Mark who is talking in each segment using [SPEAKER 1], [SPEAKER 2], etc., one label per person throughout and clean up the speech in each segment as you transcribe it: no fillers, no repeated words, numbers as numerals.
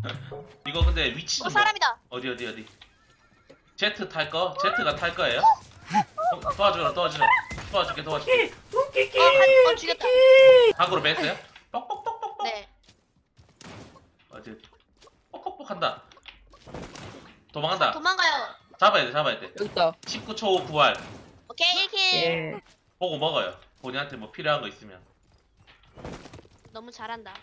[SPEAKER 1] 이거 근데 위치 좀
[SPEAKER 2] 사람이다.
[SPEAKER 1] 어디 제트 탈 거? 제트가 탈 거예요? 도와줄게
[SPEAKER 2] 죽였다.
[SPEAKER 1] 각으로 뺐어요? 뻑뻑뻑뻑뻑
[SPEAKER 2] 네.
[SPEAKER 1] 어디 뻑뻑뻑 한다. 도망간다.
[SPEAKER 2] 도망가요.
[SPEAKER 1] 잡아야 돼
[SPEAKER 3] 여기 있다.
[SPEAKER 1] 19초 후 부활.
[SPEAKER 2] 오케이 1킬.
[SPEAKER 3] 예.
[SPEAKER 1] 보고 먹어요. 본인한테 뭐 필요한 거 있으면.
[SPEAKER 2] 너무 잘한다.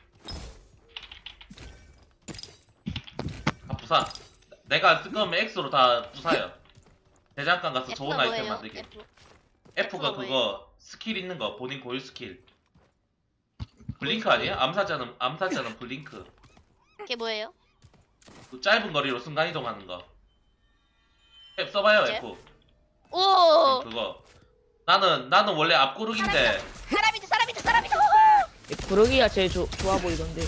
[SPEAKER 1] 다 부사. 내가 쓴 거면 X로 다 부사요. 대장간 가서 좋은
[SPEAKER 2] F가
[SPEAKER 1] 아이템
[SPEAKER 2] 뭐예요?
[SPEAKER 1] 만들게.
[SPEAKER 2] F.
[SPEAKER 1] F가
[SPEAKER 2] F가
[SPEAKER 1] 그거 스킬 있는 거, 본인 고유 스킬. 블링크 아니야? 암살자는 블링크.
[SPEAKER 2] 그게 뭐예요?
[SPEAKER 1] 그 짧은 거리로 순간 이동하는 거. F 써봐요,
[SPEAKER 2] 뭐지?
[SPEAKER 1] F.
[SPEAKER 2] 오.
[SPEAKER 1] 그거. 나는 원래 앞구르기인데
[SPEAKER 2] 사람이다.
[SPEAKER 3] 구르기가 제일 좋아 보이던데.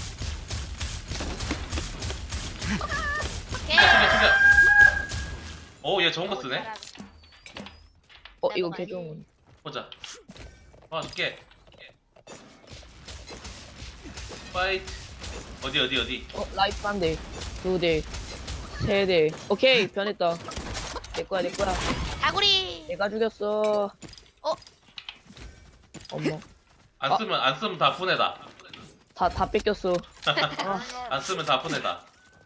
[SPEAKER 2] 오케이.
[SPEAKER 1] 죽여. 오, 얘 좋은 거 쓰네.
[SPEAKER 3] 이거
[SPEAKER 2] 내가
[SPEAKER 3] 개 좋은 건.
[SPEAKER 1] 보자. 줄게. 파이트. 어디.
[SPEAKER 3] 라이프 한 대, 두 대, 세 대. 오케이, 변했다. 내 거야.
[SPEAKER 2] 다구리.
[SPEAKER 3] 내가 죽였어. 어머,
[SPEAKER 1] 안 쓰면 다 분해다.
[SPEAKER 3] 다 뺏겼어.
[SPEAKER 1] 안 쓰면 다 분해다.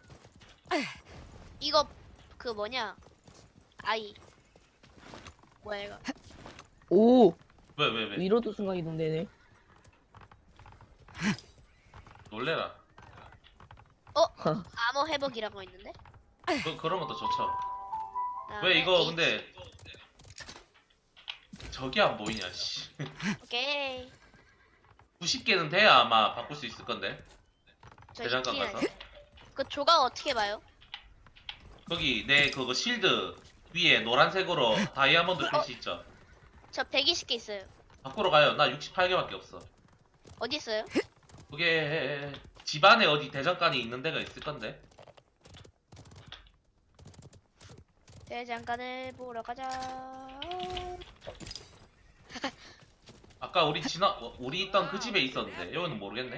[SPEAKER 2] 이거 그 뭐냐? 아이. 뭐야 이거?
[SPEAKER 3] 오,
[SPEAKER 1] 왜?
[SPEAKER 3] 위로도 순간 이동되네.
[SPEAKER 1] 놀래라.
[SPEAKER 2] 암호 회복이라고 있는데?
[SPEAKER 1] 그런 것도 좋죠.
[SPEAKER 2] 그다음에
[SPEAKER 1] 왜 이거
[SPEAKER 2] H.
[SPEAKER 1] 근데 저게 안 보이냐, 씨.
[SPEAKER 2] 오케이.
[SPEAKER 1] 90개는 돼야 아마 바꿀 수 있을 건데.
[SPEAKER 2] 저
[SPEAKER 1] 대장간
[SPEAKER 2] 2킬.
[SPEAKER 1] 가서.
[SPEAKER 2] 그 조각 어떻게 봐요?
[SPEAKER 1] 거기 내 그거 실드 위에 노란색으로 다이아몬드 표시 있죠.
[SPEAKER 2] 저 120개 있어요.
[SPEAKER 1] 바꾸러 가요. 나 68개밖에 없어.
[SPEAKER 2] 어디 있어요?
[SPEAKER 1] 그게 집안에 어디 대장간이 있는 데가 있을 건데.
[SPEAKER 2] 대장간을 보러 가자.
[SPEAKER 1] 아까 우리 있던 그 집에 있었는데 여기는 모르겠네.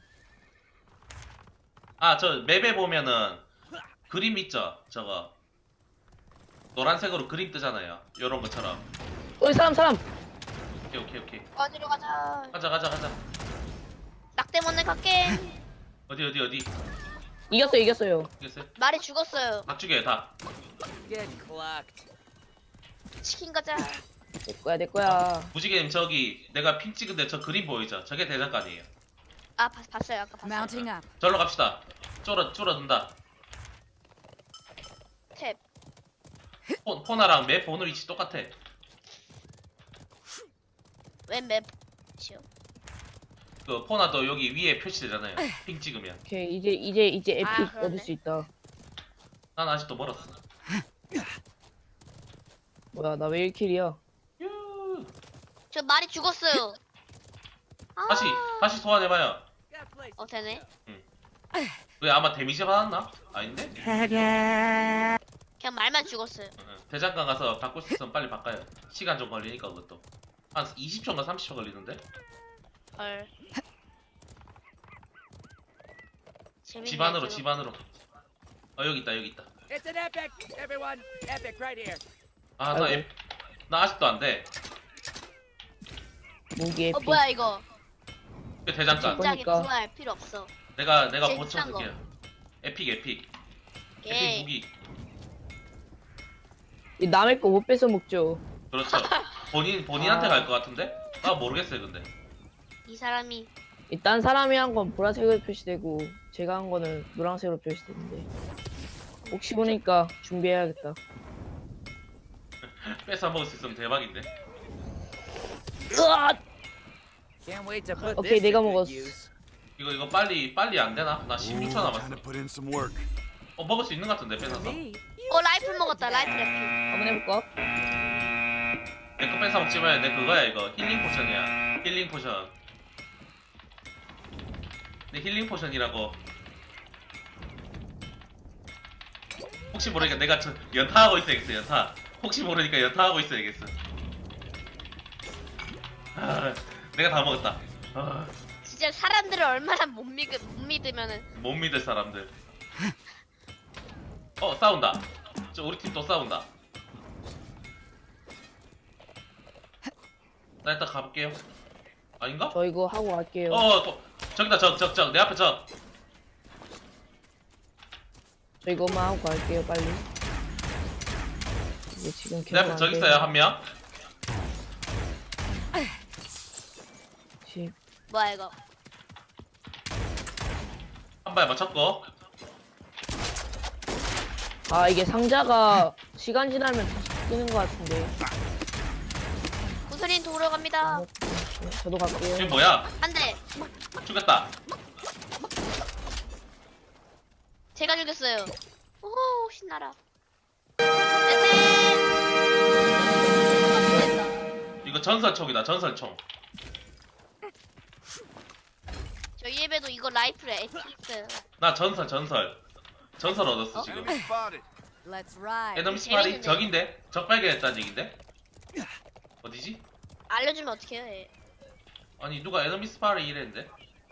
[SPEAKER 1] 저 맵에 보면은 그림 있죠. 저거 노란색으로 그림 뜨잖아요. 요런 것처럼.
[SPEAKER 3] 사람.
[SPEAKER 1] 오케이.
[SPEAKER 2] 어디로 가자.
[SPEAKER 1] 가자.
[SPEAKER 2] 낙대 못내 갈게.
[SPEAKER 1] 어디?
[SPEAKER 3] 이겼어요.
[SPEAKER 1] 이겼어요?
[SPEAKER 2] 말이 죽었어요.
[SPEAKER 1] 다 죽여요, 다.
[SPEAKER 2] 치킨 가자.
[SPEAKER 3] 내 거야.
[SPEAKER 1] 무지개님 저기 내가 핀 찍은데 저 그림 보이죠? 저게 대장간이에요.
[SPEAKER 2] 아 봤어요. 아까 봤어요.
[SPEAKER 4] Mounting up.
[SPEAKER 1] 절로 갑시다. 줄어든다.
[SPEAKER 2] 탭.
[SPEAKER 1] 포나랑 맵 보는 위치 똑같아.
[SPEAKER 2] 왼 맵이요.
[SPEAKER 1] 그 포나도 여기 위에 표시되잖아요. 핑 찍으면.
[SPEAKER 3] 오케이, 이제 에픽
[SPEAKER 2] 그러네.
[SPEAKER 3] 얻을 수 있다.
[SPEAKER 1] 난 아직도 멀었어.
[SPEAKER 3] 뭐야, 나 왜 1킬이야?
[SPEAKER 1] 유.
[SPEAKER 2] 저 말이 죽었어요. 아.
[SPEAKER 1] 다시 소환해봐요.
[SPEAKER 2] 되네.
[SPEAKER 1] 왜 아마 데미지 받았나? 아닌데?
[SPEAKER 2] 그냥 말만 죽었어요.
[SPEAKER 1] 대장간 가서 바꿀 수 있으면 빨리 바꿔요. 시간 좀 걸리니까 그것도. 한 20초인가 30초 걸리는데?
[SPEAKER 2] 헐. 재밌네,
[SPEAKER 1] 집 안으로. 여기 있다.
[SPEAKER 4] It's an epic, everyone. Epic right here.
[SPEAKER 3] 아이고.
[SPEAKER 1] 나 아직도 안 돼.
[SPEAKER 3] 무기 에픽.
[SPEAKER 2] 뭐야 이거?
[SPEAKER 1] 그 대장간.
[SPEAKER 2] 진작에
[SPEAKER 3] 그러니까.
[SPEAKER 2] 구할 필요 없어.
[SPEAKER 1] 내가
[SPEAKER 2] 제일
[SPEAKER 1] 고쳐
[SPEAKER 2] 비싼 거.
[SPEAKER 1] 쓸게요. 에픽
[SPEAKER 2] 오케이.
[SPEAKER 1] 무기.
[SPEAKER 3] 이 남의 거 못 뺏어 먹죠.
[SPEAKER 1] 그렇죠. 본인한테
[SPEAKER 3] 아.
[SPEAKER 1] 갈 것 같은데? 나 모르겠어요, 근데.
[SPEAKER 2] 이 사람이
[SPEAKER 3] 일단 사람이 한 건 보라색으로 표시되고 제가 한 거는 노란색으로 표시되는데 혹시 보니까 준비해야겠다.
[SPEAKER 1] 뺏어 먹을 수 있으면 대박인데.
[SPEAKER 3] 으아!
[SPEAKER 4] Can't wait to put
[SPEAKER 3] Okay,
[SPEAKER 4] this
[SPEAKER 3] 내가
[SPEAKER 4] to good
[SPEAKER 3] 먹었어.
[SPEAKER 4] use.
[SPEAKER 1] 이거 빨리 안 되나? 나 16초 남았어.
[SPEAKER 5] Time to put in some work.
[SPEAKER 1] 먹을 수 있는 것 같은데, 뺏어서.
[SPEAKER 4] Me?
[SPEAKER 2] 라이플 먹었다. 라이플.
[SPEAKER 3] 한번 해볼까?
[SPEAKER 1] 내 거 뺏어 먹지 마요. 내 그거야, 이거. 힐링 포션이야. 힐링 포션. 내 힐링 포션이라고. 혹시 모르니까 내가 연타하고 있어야겠어, 연타. 혹시 모르니까 연타하고 있어야겠어. 내가 다 먹었다.
[SPEAKER 2] 진짜 사람들을 얼마나 못 믿으면은
[SPEAKER 1] 못 믿을 사람들. 싸운다. 저 우리 팀 또 싸운다. 나 일단 가볼게요. 아닌가?
[SPEAKER 3] 저 이거 하고 갈게요.
[SPEAKER 1] 또 저기다 적 내 앞에 적.
[SPEAKER 3] 저 이거만 하고 갈게요 빨리. 이게 지금
[SPEAKER 1] 내 앞에 적 있어요 한 명.
[SPEAKER 2] 뭐야 이거?
[SPEAKER 1] 한 발 맞췄고.
[SPEAKER 3] 아 이게 상자가 시간 지나면 다시 뜨는 것 같은데.
[SPEAKER 2] 구슬인 도로 갑니다.
[SPEAKER 3] 저도 갈게요.
[SPEAKER 1] 이게 뭐야?
[SPEAKER 2] 한 대.
[SPEAKER 1] 죽였다.
[SPEAKER 2] 제가 죽였어요. 오 신나라. 됐다.
[SPEAKER 1] 이거 전설총이다. 전설총.
[SPEAKER 2] 저희 집에도 이거 라이플에 에티 있어요.
[SPEAKER 1] 나 전설 얻었어 지금.
[SPEAKER 5] Enemy spotted.
[SPEAKER 6] Let's ride.
[SPEAKER 1] 에너미 스파리
[SPEAKER 2] 재밌는데?
[SPEAKER 1] 적인데? 적 발견했다는 얘긴데? 어디지?
[SPEAKER 2] 알려주면 어떡해요 얘.
[SPEAKER 1] 아니 누가 에너미 스파리 이랬는데?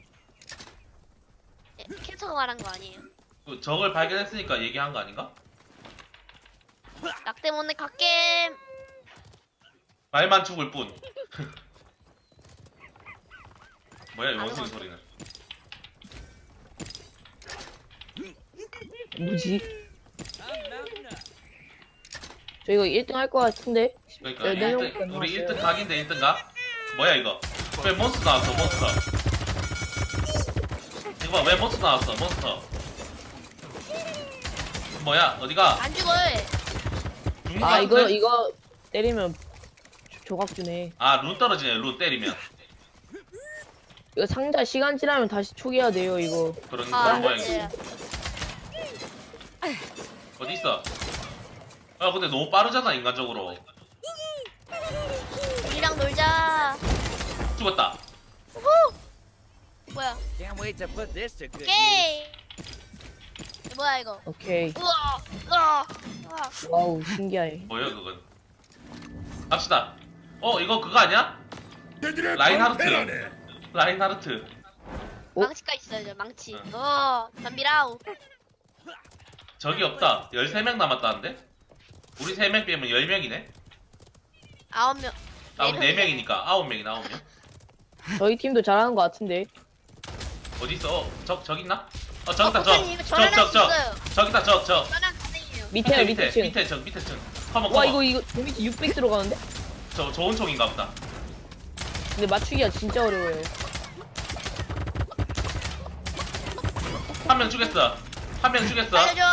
[SPEAKER 2] 캐릭터가 말한 거 아니에요.
[SPEAKER 1] 그 적을 발견했으니까 얘기한 거 아닌가?
[SPEAKER 2] 낙 때문에 갓겜.
[SPEAKER 1] 말만 죽을 뿐. 뭐야 이 원숭이 소리는?
[SPEAKER 3] 뭐지? 저 이거 1등 할 것 같은데?
[SPEAKER 1] 그러니까
[SPEAKER 3] 네,
[SPEAKER 1] 1등, 우리 1등 각인데 1등 각? 뭐야 이거? 왜 몬스터 나왔어 몬스터? 이거 봐 왜 몬스터 나왔어 몬스터? 뭐야 어디가?
[SPEAKER 2] 안 죽어 얘.
[SPEAKER 1] 죽는 거
[SPEAKER 3] 아
[SPEAKER 1] 같은데?
[SPEAKER 3] 이거 때리면 조각 주네.
[SPEAKER 1] 아 룬 떨어지네 룬 때리면.
[SPEAKER 3] 이거 상자 시간 지나면 다시 초기화 돼요 이거.
[SPEAKER 1] 그런
[SPEAKER 2] 아
[SPEAKER 1] 그런 모양이지.
[SPEAKER 2] 네.
[SPEAKER 1] 어디 있어? 아 근데 너무 빠르잖아 인간적으로.
[SPEAKER 2] 우리랑 놀자.
[SPEAKER 1] 죽었다.
[SPEAKER 2] 뭐야?
[SPEAKER 4] Can't wait to put this to good use.
[SPEAKER 2] 오케이. 뭐야 이거?
[SPEAKER 3] 오케이.
[SPEAKER 2] 우와. 우와. 우와.
[SPEAKER 3] 와우 신기하네.
[SPEAKER 1] 뭐야 그건? 갑시다. 이거 그거 아니야? 라인하르트. 라인하르트.
[SPEAKER 3] 어?
[SPEAKER 2] 망치가 있어요 저 망치.
[SPEAKER 1] 응.
[SPEAKER 2] 덤비라우.
[SPEAKER 1] 적이 없다. 13명 남았다는데? 우리 3명 빼면 10명이네?
[SPEAKER 2] 9명.
[SPEAKER 1] 아 우리
[SPEAKER 2] 네
[SPEAKER 1] 4명이니까 9명이 9명.
[SPEAKER 3] 저희 팀도 잘하는 것 같은데.
[SPEAKER 1] 어디 있어? 적 있나? 저기 있다
[SPEAKER 2] 복사님, 이거 저랑 할수 있어요.
[SPEAKER 1] 저기 있다 적.
[SPEAKER 2] 저랑 가능해요.
[SPEAKER 3] 밑에요 밑에 층.
[SPEAKER 1] 밑에 층 밑에 층. 커먼
[SPEAKER 3] 와
[SPEAKER 1] 커먼.
[SPEAKER 3] 이거 데미지 600 들어가는데?
[SPEAKER 1] 저 좋은 총인가 보다.
[SPEAKER 3] 근데 맞추기가 진짜 어려워요.
[SPEAKER 1] 한 명 죽였어. 한 명 죽였어.
[SPEAKER 2] 알려줘.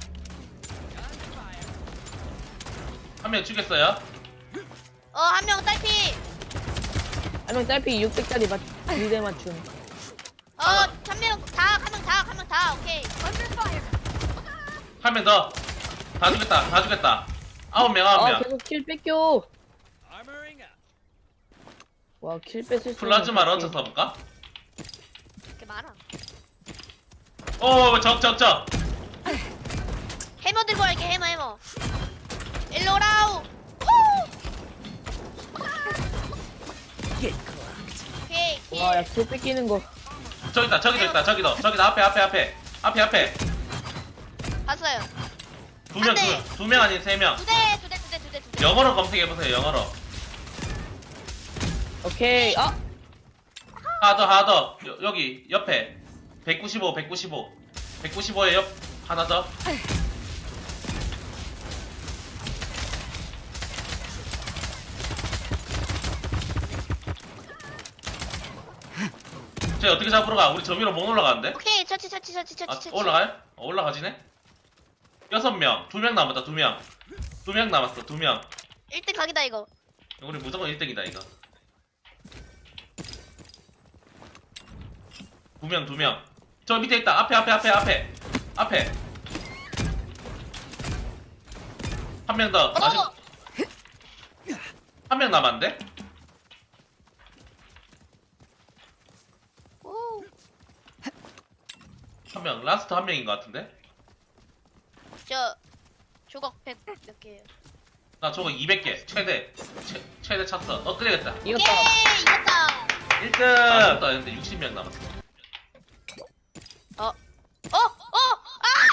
[SPEAKER 1] 한 명 죽였어요.
[SPEAKER 2] 한 명 딸피.
[SPEAKER 3] 한 명 딸피 600짜리 2대 맞춤.
[SPEAKER 2] 한 명 다. 오케이.
[SPEAKER 1] 한 명 더. 다 죽였다. 9명
[SPEAKER 3] 아
[SPEAKER 1] 9명.
[SPEAKER 3] 계속 킬 뺏겨.
[SPEAKER 4] Armoring up.
[SPEAKER 3] 와 킬 뺏을 수 있는
[SPEAKER 1] 플라즈마 런처
[SPEAKER 3] 게.
[SPEAKER 1] 써볼까?
[SPEAKER 2] 이렇게 많아.
[SPEAKER 1] 적.
[SPEAKER 2] 해머 들고 갈게 해머. 일로 오라우.
[SPEAKER 4] Get clocked.
[SPEAKER 2] 오케이.
[SPEAKER 3] 와야 킬 뺏기는 거.
[SPEAKER 1] 저기다 저기다 앞에
[SPEAKER 2] 봤어요.
[SPEAKER 1] 두 명 아닌 3명.
[SPEAKER 2] 두 대.
[SPEAKER 1] 영어로 검색해보세요 영어로.
[SPEAKER 3] 오케이. 아
[SPEAKER 1] 하더 여기 옆에 195에 옆 하나 더. 쟤 어떻게 잡으러 가? 우리 저 위로 못 올라가는데?
[SPEAKER 2] 오케이. 처치.
[SPEAKER 1] 아 올라가요? 올라가지네? 6명 2명 남았다 2명 남았어 2명.
[SPEAKER 2] 1등 각이다 이거.
[SPEAKER 1] 우리 무조건 1등이다 이거. 2명 저 밑에 있다. 앞에 한 명 더. 아직 한 명 남았는데?
[SPEAKER 2] 오.
[SPEAKER 1] 한 명 라스트 한 명인 것 같은데?
[SPEAKER 2] 저 조각 100 몇 개예요.
[SPEAKER 1] 나 저거 200개 최대 찼어. 끄려겠다.
[SPEAKER 3] 이겼다.
[SPEAKER 2] 오케이. 이겼다.
[SPEAKER 1] 1등. 아, 근데 60명 남았어.
[SPEAKER 2] 아!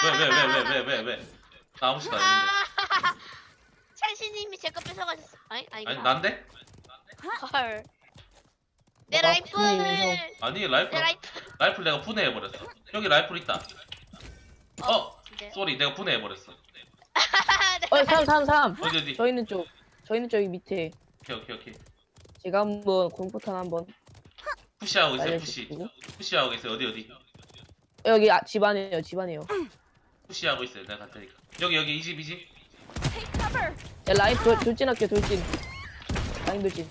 [SPEAKER 1] 왜? 나 아무 짓도 안 했는데.
[SPEAKER 2] 찬씨님이 제 거 뺏어가셨어. 아니
[SPEAKER 1] 난데?
[SPEAKER 2] 헐. 내
[SPEAKER 3] 너가
[SPEAKER 2] 라이플.
[SPEAKER 3] 분해해서.
[SPEAKER 1] 아니
[SPEAKER 2] 내
[SPEAKER 1] 라이플
[SPEAKER 2] 라이플.
[SPEAKER 1] 라이플 내가 분해해버렸어. 여기 라이플 있다.
[SPEAKER 2] 진짜요?
[SPEAKER 1] 쏘리 내가 분해해버렸어.
[SPEAKER 3] 삼.
[SPEAKER 1] 어디?
[SPEAKER 3] 저희는 저기 밑에.
[SPEAKER 1] 오케이.
[SPEAKER 3] 제가 한번 공포탄 한번
[SPEAKER 1] 푸시하고 있어요 푸시.
[SPEAKER 3] 날려주고.
[SPEAKER 1] 푸시하고 있어요 어디?
[SPEAKER 3] 여기 집안에요.
[SPEAKER 1] 푸시하고 있어요 내가 갈 테니까. 여기 이 집.
[SPEAKER 3] 야, 라인 돌진할게 돌진. 라인 돌진.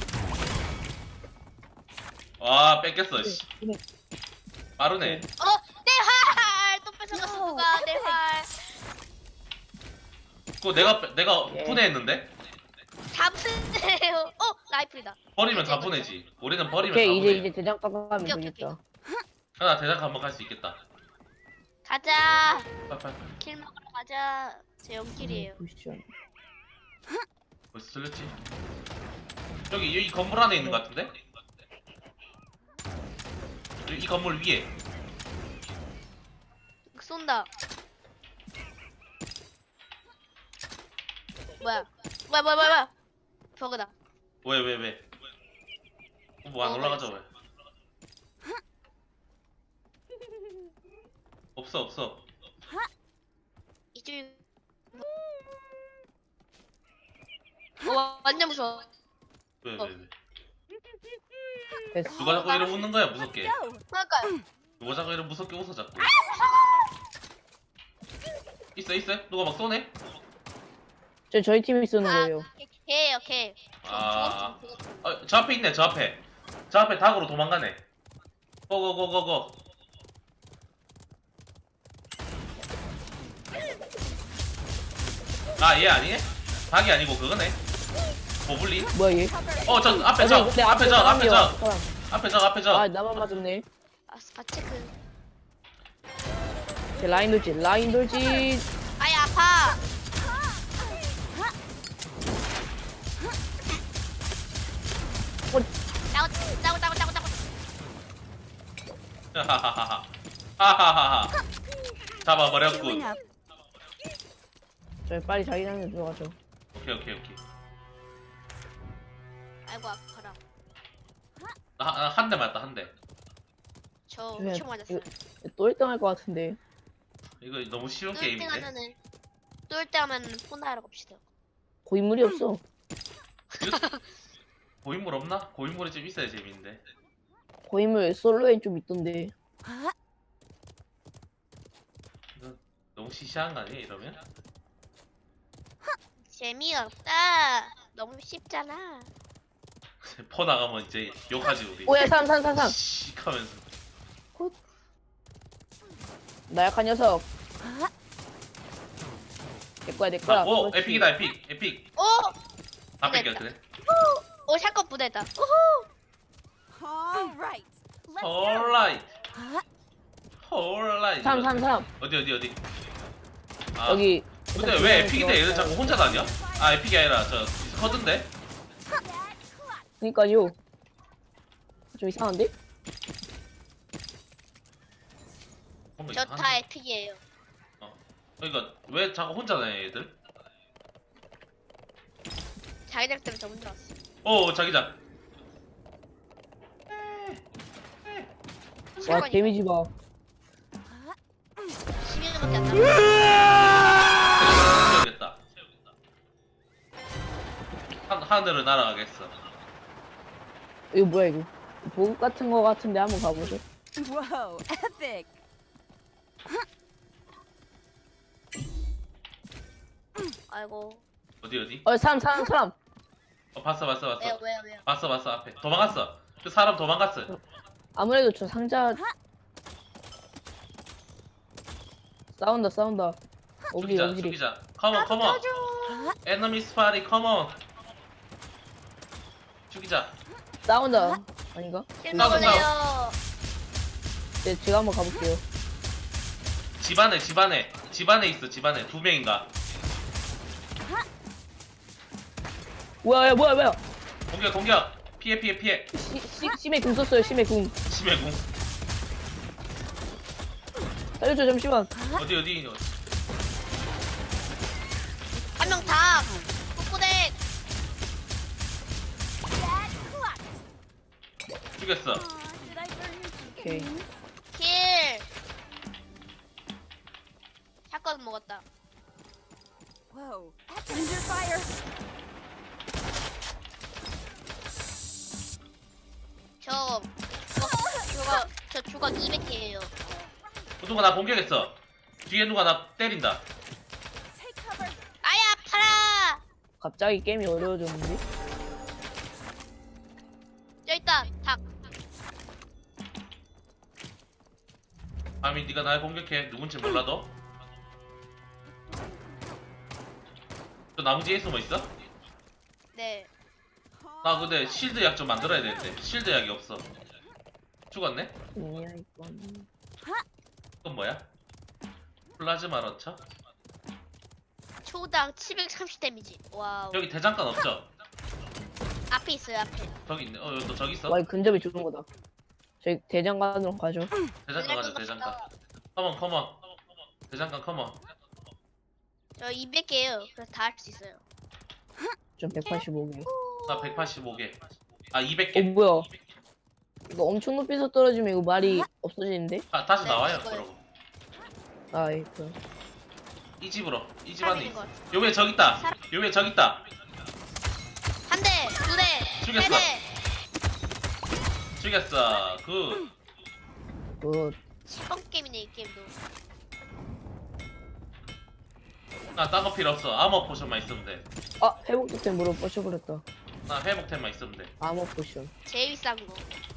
[SPEAKER 1] 와 뺏겼어 씨. 빠르네.
[SPEAKER 2] 내 활! 또 뺏어갔어 누가 내 활.
[SPEAKER 1] 그거 내가
[SPEAKER 3] 예.
[SPEAKER 1] 분해했는데?
[SPEAKER 2] 잡으세요. 라이플이다.
[SPEAKER 1] 버리면 다 분해지. 우리는 버리면
[SPEAKER 3] 오케이
[SPEAKER 1] 다
[SPEAKER 3] 이제
[SPEAKER 1] 분해.
[SPEAKER 3] 대장간 가면
[SPEAKER 2] 오케이,
[SPEAKER 3] 되겠다.
[SPEAKER 1] 하나 대장 한번 갈 수 있겠다.
[SPEAKER 2] 가자.
[SPEAKER 1] 빨빨.
[SPEAKER 2] 킬 먹으러 가자. 제 0킬이에요.
[SPEAKER 3] 보시죠.
[SPEAKER 1] 벌써 들렸지? 여기 이 건물 안에 있는 것 같은데? 이 건물 위에.
[SPEAKER 2] 쏜다. 뭐야? 버그다.
[SPEAKER 1] 왜? 뭐 안 올라가죠 왜? 없어.
[SPEAKER 2] 이쪽이. 완전 무서워.
[SPEAKER 1] 왜?
[SPEAKER 3] 됐어.
[SPEAKER 1] 누가 자꾸 이러고 웃는 거야 무섭게?
[SPEAKER 2] 그러니까요.
[SPEAKER 1] 누가 자꾸 이러고 무섭게 웃어 자꾸? 있어? 누가 막 쏘네?
[SPEAKER 3] 저희 팀이 쓰는 거예요.
[SPEAKER 2] 걔예요, 걔.
[SPEAKER 1] 아, 저 앞에 있네, 저 앞에 닭으로 도망가네. 고고고고고. 아, 얘 아니네? 닭이 아니고 그거네. 고블린?
[SPEAKER 3] 뭐야 얘?
[SPEAKER 1] 저 앞에
[SPEAKER 3] 근데
[SPEAKER 1] 앞에 저.
[SPEAKER 3] 아 나만 맞았네.
[SPEAKER 2] 바체크.
[SPEAKER 3] 제 라인 돌진.
[SPEAKER 2] 아이, 아파. 따고.
[SPEAKER 1] 하하하하. 잡아버렸군.
[SPEAKER 3] 저희 빨리 자기장에 들어가죠.
[SPEAKER 1] 오케이.
[SPEAKER 2] 아이고, 아파라.
[SPEAKER 1] 한 대 맞다, 한 대.
[SPEAKER 2] 저
[SPEAKER 3] 그냥
[SPEAKER 2] 엄청 맞았어요.
[SPEAKER 3] 또 1등 할 것 같은데.
[SPEAKER 1] 이거 너무 쉬운
[SPEAKER 2] 또 1등
[SPEAKER 1] 게임인데?
[SPEAKER 2] 하면은, 또 1등 하면 폰하러 갑시다.
[SPEAKER 3] 고인물이 없어.
[SPEAKER 1] 고인물 없나? 고인물이 좀 있어야 재밌는데.
[SPEAKER 3] 고인물 솔로에 좀 있던데.
[SPEAKER 1] 이거 너무 시시한 거 아니야, 이러면?
[SPEAKER 2] 재미없다. 너무 쉽잖아.
[SPEAKER 1] 퍼 나가면 이제 욕하지, 우리.
[SPEAKER 3] 오야 3
[SPEAKER 1] 씩 하면서.
[SPEAKER 3] 나약한 녀석. 내 거야.
[SPEAKER 1] 오,
[SPEAKER 3] 그렇지.
[SPEAKER 1] 에픽이다, 에픽.
[SPEAKER 2] 오!
[SPEAKER 1] 다 뺏겨, 그래?
[SPEAKER 2] 오, 샷건 부대다. 우후!
[SPEAKER 5] All right. Let's go.
[SPEAKER 1] 홀라이트.
[SPEAKER 3] 3
[SPEAKER 1] 어디? 아,
[SPEAKER 3] 여기.
[SPEAKER 1] 근데 왜 에픽인데 얘는 자꾸 혼자 다녀? 아, 에픽이 아니라 저 커든데?
[SPEAKER 3] 그니까요. 좀 이상한데?
[SPEAKER 1] 뭔가
[SPEAKER 2] 저
[SPEAKER 1] 이상한데?
[SPEAKER 2] 다 에픽이에요.
[SPEAKER 1] 그러니까 왜 자꾸 혼자 다녀 얘들?
[SPEAKER 2] 자기장 때문에 저 혼자 왔어.
[SPEAKER 1] 오, 자기장.
[SPEAKER 3] 와 데미지 봐.
[SPEAKER 2] 10년밖에 안 남았어.
[SPEAKER 1] 채우겠다. 하늘을 날아가겠어.
[SPEAKER 3] 이거 뭐야 이거? 보급 같은 거 같은데 한번 가보죠.
[SPEAKER 5] Whoa, epic.
[SPEAKER 2] 아이고.
[SPEAKER 1] 어디?
[SPEAKER 3] 3
[SPEAKER 1] 봤어.
[SPEAKER 2] 왜요?
[SPEAKER 1] 봤어 앞에. 도망갔어. 그 사람 도망갔어.
[SPEAKER 3] 아무래도 저 상자 싸운다.
[SPEAKER 1] 죽이자. 컴온. Enemy spotty, come on. 죽이자.
[SPEAKER 3] 싸운다. 아닌가?
[SPEAKER 2] 킬
[SPEAKER 1] 싸워.
[SPEAKER 2] 먹을래요.
[SPEAKER 3] 네, 제가 한번 가볼게요.
[SPEAKER 1] 집안에 있어. 두 명인가.
[SPEAKER 3] 뭐야.
[SPEAKER 1] 공격. 피해.
[SPEAKER 3] 심해 궁 썼어요. 심해 궁.
[SPEAKER 1] 심해 궁.
[SPEAKER 3] 살려줘 잠시만.
[SPEAKER 1] 어디
[SPEAKER 2] 한 명 다. 꼬꼬댁.
[SPEAKER 5] Bad cluck.
[SPEAKER 1] 죽였어.
[SPEAKER 5] Aw, did I burn your
[SPEAKER 3] Okay.
[SPEAKER 5] chicken?
[SPEAKER 2] 킬. 샷건 먹었다.
[SPEAKER 5] Whoa. Under fire.
[SPEAKER 2] 저 주걱 200개예요.
[SPEAKER 1] 누가 나 공격했어. 뒤에 누가 나 때린다.
[SPEAKER 5] Take cover.
[SPEAKER 2] 아야 팔아.
[SPEAKER 3] 갑자기 게임이 어려워졌는데?
[SPEAKER 2] 저 있다. 닭.
[SPEAKER 1] 아미 네가 날 공격해. 누군지 몰라도. 저 나무 뒤에 숨어 있어?
[SPEAKER 2] 네.
[SPEAKER 1] 나 근데 실드 약 좀 만들어야 되는데 실드 약이 없어. 죽었네?
[SPEAKER 3] 뭐야 이건.
[SPEAKER 1] 이건 뭐야? 플라즈마 런처?
[SPEAKER 2] 초당 730 데미지. 와우.
[SPEAKER 1] 여기 대장간 없죠?
[SPEAKER 2] 앞에 있어요 앞에.
[SPEAKER 1] 저기 있네. 너 저기 있어?
[SPEAKER 3] 와, 이 근접이 좋은 거다. 저희 대장간으로 가죠.
[SPEAKER 1] 대장간 가자 대장간. 컴온. 대장간 컴온.
[SPEAKER 2] 저 200개예요. 그래서 다 할 수 있어요.
[SPEAKER 3] 좀 185개.
[SPEAKER 1] 나 185개. 아
[SPEAKER 3] 어
[SPEAKER 1] 200개.
[SPEAKER 3] 뭐야? 이거 엄청 높이서 떨어지면 이거 말이 없어지는데?
[SPEAKER 1] 아 다시
[SPEAKER 2] 네,
[SPEAKER 1] 나와요
[SPEAKER 2] 이거요.
[SPEAKER 1] 그러고.
[SPEAKER 3] 아 이거.
[SPEAKER 1] 이 집으로. 이 집
[SPEAKER 2] 사람
[SPEAKER 1] 안에
[SPEAKER 2] 있는
[SPEAKER 1] 있어.
[SPEAKER 2] 것 같아.
[SPEAKER 1] 요 위에 저기 있다.
[SPEAKER 2] 사람-
[SPEAKER 1] 요 위에 저기 있다.
[SPEAKER 2] 한 대, 두 대,
[SPEAKER 1] 죽였어.
[SPEAKER 2] 세 대.
[SPEAKER 1] 죽였어. 굿.
[SPEAKER 3] 그
[SPEAKER 2] 시범 게임이네 이 게임도.
[SPEAKER 1] 나딴거 필요 없어. 아머 포션만 있으면 돼.
[SPEAKER 3] 회복 토템으로 뻗쳐버렸다.
[SPEAKER 1] 나 회복템만 있으면 돼.
[SPEAKER 3] 아머 포션.
[SPEAKER 2] 제일 비싼 거.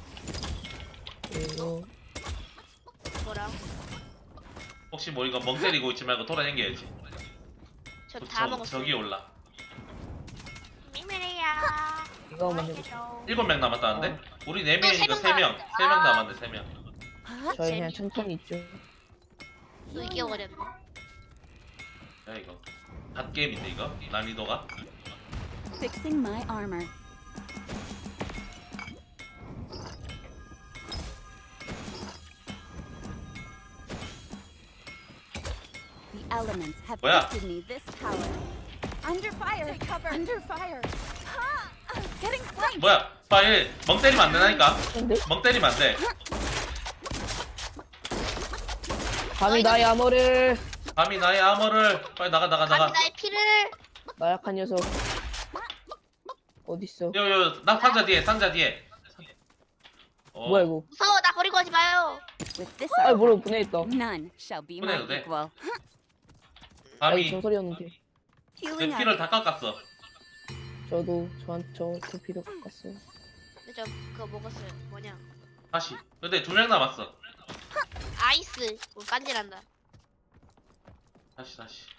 [SPEAKER 3] 그리고
[SPEAKER 2] 뭐랑?
[SPEAKER 1] 혹시 뭐 이거 멍 때리고 있지 말고 돌아다녀야지.
[SPEAKER 2] 저 다 먹었어요.
[SPEAKER 1] 저기 올라.
[SPEAKER 2] 미메리야.
[SPEAKER 3] 이거 먼저 보자.
[SPEAKER 1] 7명 남았다는데? 우리 4명이니까
[SPEAKER 2] 또
[SPEAKER 1] 3명. 3명 남았네 3명.
[SPEAKER 3] 저희 그냥 천천히 있죠.
[SPEAKER 2] 또 이겨버렸네.
[SPEAKER 1] 야 이거 갓게임인데 이거? 난이도가?
[SPEAKER 5] Fixing my armor. The elements have
[SPEAKER 1] 뭐야?
[SPEAKER 5] gifted me this power. Under fire. Take cover. Under fire. Getting flanked.
[SPEAKER 1] 뭐야? 빨리 멍 때리면 안 되나니까?
[SPEAKER 3] 근데
[SPEAKER 1] 멍 때리면 안 돼.
[SPEAKER 3] 감히 나의 아머를
[SPEAKER 1] 감히 나의 아머를 빨리 나가.
[SPEAKER 2] 감히 나의 피를.
[SPEAKER 3] 나약한 녀석. 어딨어?
[SPEAKER 1] 나 상자 뒤에. 어,
[SPEAKER 3] 뭐야 이거?
[SPEAKER 2] 무서워 나 버리고 가지 마요.
[SPEAKER 5] With this
[SPEAKER 3] 아
[SPEAKER 5] armor,
[SPEAKER 3] 뭐라고 보내있다.
[SPEAKER 5] none shall be my
[SPEAKER 1] 보내도 돼?
[SPEAKER 5] equal.
[SPEAKER 3] 아
[SPEAKER 1] 감히
[SPEAKER 3] 이거 정설이었는데.
[SPEAKER 1] 내
[SPEAKER 5] Healing
[SPEAKER 1] 피를
[SPEAKER 5] up.
[SPEAKER 1] 다 깎았어.
[SPEAKER 3] 저도 저 피도 깎았어요.
[SPEAKER 2] 근데 저 그거 먹었어요. 뭐냐?
[SPEAKER 1] 다시. 근데 2명 남았어.
[SPEAKER 2] 아이스. 뭐 깐질한다.
[SPEAKER 1] 다시.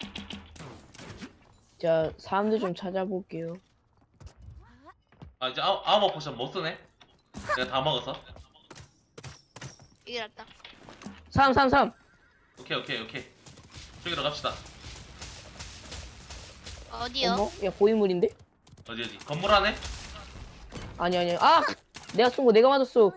[SPEAKER 3] 자 사람들 좀 찾아볼게요.
[SPEAKER 1] 아 이제 아머 포션 못 쓰네. 내가 다 먹었어.
[SPEAKER 2] 이게 낫다.
[SPEAKER 3] 3.
[SPEAKER 1] 오케이. 저기로 갑시다.
[SPEAKER 2] 어디요?
[SPEAKER 3] 어머? 야 고인물인데?
[SPEAKER 1] 어디? 건물 안에?
[SPEAKER 3] 아니. 아! 내가 쏜 거 내가 맞았어.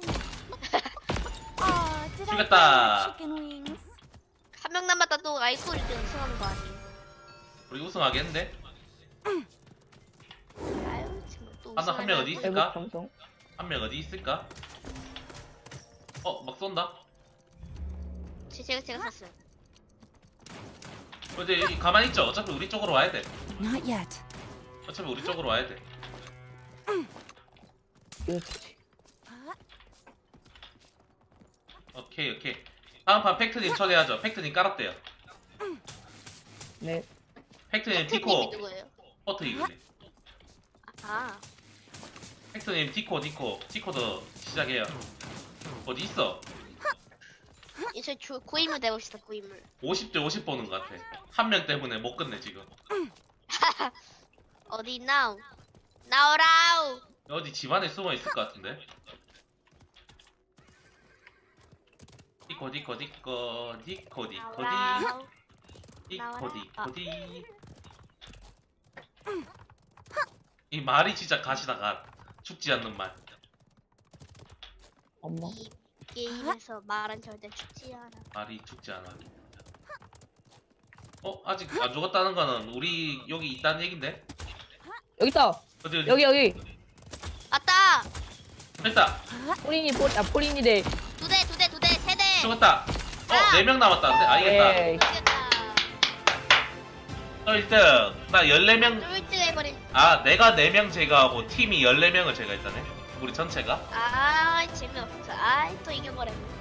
[SPEAKER 5] Aw, did I
[SPEAKER 1] 죽였다.
[SPEAKER 5] burn your chicken wings?
[SPEAKER 2] 한 명 남았다 또 아이스 우리 우승하는 거 아니에요?
[SPEAKER 1] 우리 우승하겠는데?
[SPEAKER 2] 아유 지금 또
[SPEAKER 1] 한 명 어디
[SPEAKER 3] 회복
[SPEAKER 1] 있을까?
[SPEAKER 3] 방송.
[SPEAKER 1] 한 명 어디 있을까? 막 쏜다.
[SPEAKER 2] 제가 샀어요.
[SPEAKER 1] 근데 여기 가만히 있죠. 어차피 우리 쪽으로 와야 돼.
[SPEAKER 5] Not yet.
[SPEAKER 1] 어차피 우리 쪽으로 와야 돼.
[SPEAKER 3] 이렇지.
[SPEAKER 1] 오케이. 다음 판 팩트님 초대하죠. 팩트님 깔았대요.
[SPEAKER 3] 네.
[SPEAKER 1] 팩트님
[SPEAKER 2] 팩트님이
[SPEAKER 1] 디코
[SPEAKER 2] 누구예요?
[SPEAKER 1] 포트 이글리.
[SPEAKER 2] 아
[SPEAKER 1] 팩트님 디코도 시작해요. 어디 있어?
[SPEAKER 2] 이제 고인물 돼봅시다 고인물.
[SPEAKER 1] 50대 50 보는 것 같아. 한 명 때문에 못 끝내 지금.
[SPEAKER 2] 어디 있나? 나오라우.
[SPEAKER 1] 어디 집안에 숨어 있을 것 같은데. 디코디.
[SPEAKER 2] 나오라우.
[SPEAKER 1] 디코디. 이 말이 진짜 가시다 가. 죽지 않는 말.
[SPEAKER 3] 엄마.
[SPEAKER 2] 게임에서 말은 절대 죽지 않아.
[SPEAKER 1] 말이 죽지 않아. 아직 안 죽었다는 거는 우리 여기 있다는 얘긴데?
[SPEAKER 3] 여기 있다.
[SPEAKER 1] 어디
[SPEAKER 3] 여기.
[SPEAKER 2] 왔다.
[SPEAKER 1] 됐다.
[SPEAKER 3] 포린이래.
[SPEAKER 2] 두 대, 세 대.
[SPEAKER 1] 죽었다. 4명 남았다는데? 알겠다.
[SPEAKER 3] 에이.
[SPEAKER 2] 이겼다.
[SPEAKER 1] 1등. 나 14명.
[SPEAKER 2] 쫄등 해버린.
[SPEAKER 1] 내가 4명 제거하고 팀이 14명을 제거했다네? 우리 전체가?
[SPEAKER 2] 재미없어. 또 이겨버렸네.